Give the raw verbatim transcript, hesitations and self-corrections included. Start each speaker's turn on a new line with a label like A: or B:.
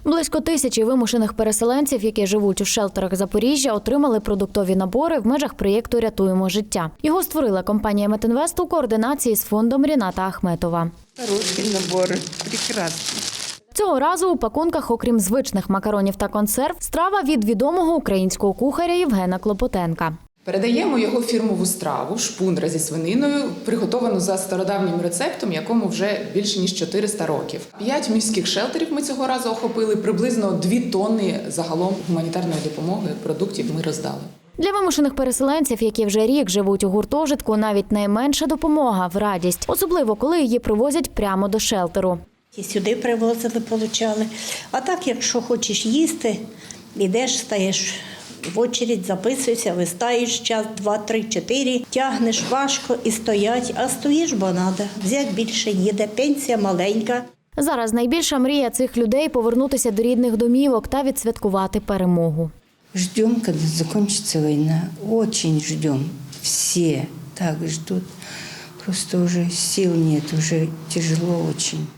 A: Близько тисячі вимушених переселенців, які живуть у шелтерах Запоріжжя, отримали продуктові набори в межах проєкту «Рятуємо життя». Його створила компанія «Метінвест» у координації з фондом Ріната Ахметова.
B: Хороший набор, прекрасний.
A: Цього разу у пакунках, окрім звичних макаронів та консерв, страва від відомого українського кухаря Євгена Клопотенка.
C: Передаємо його фірмову страву, шпундра зі свининою, приготовану за стародавнім рецептом, якому вже більше ніж чотириста років. П'ять міських шелтерів ми цього разу охопили, приблизно дві тонни загалом гуманітарної допомоги, продуктів ми роздали.
A: Для вимушених переселенців, які вже рік живуть у гуртожитку, навіть найменша допомога – в радість, особливо коли її привозять прямо до шелтеру.
D: І сюди привозили, получали. А так, якщо хочеш їсти, йдеш, стаєш в очередь, записуєшся, вистаєш час, два, три, чотири, тягнеш важко і стоять, а стоїш, бо треба. Взяти більше їде, пенсія маленька.
A: Зараз найбільша мрія цих людей – повернутися до рідних домівок та відсвяткувати перемогу.
B: Ждем, когда закончится война. Очень ждем. Все так ждут. Просто уже сил нет, уже тяжело очень.